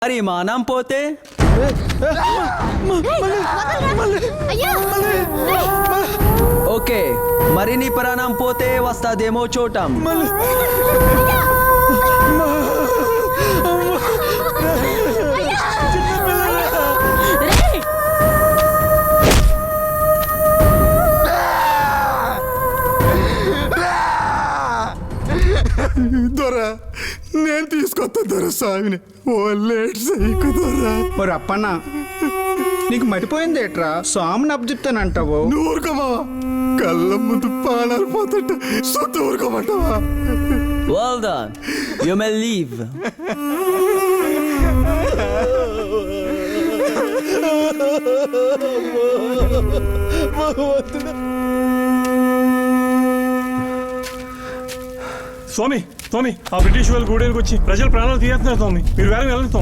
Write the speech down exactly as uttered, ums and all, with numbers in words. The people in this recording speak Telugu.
మరి మానం పోతే ఓకే, మరి నీ ప్రాణం పోతే వస్తాదేమో చూడటం. దొరా నేను తీసుకొస్తా దొర స్వామిని ఓ లేట్ సైకు దొరా. మరి అప్పన్న నీకు మతిపోయింది ఏట్రా, స్వామిని అప్పచెప్తానంటావు. నువ్వు ఊరుకోమా, కళ్ళ ముందు పానాలు పోతుంట సొంత ఊరుకోమంటావా? Well done. You may leave. స్వామి స్వామి ఆ బ్రిటిష్ వాళ్ళు గూడెలకు వచ్చి ప్రజల ప్రాణాలు తీయేస్తున్నారు స్వామి. మీరు వేరే వెళ్ళండి స్వామి.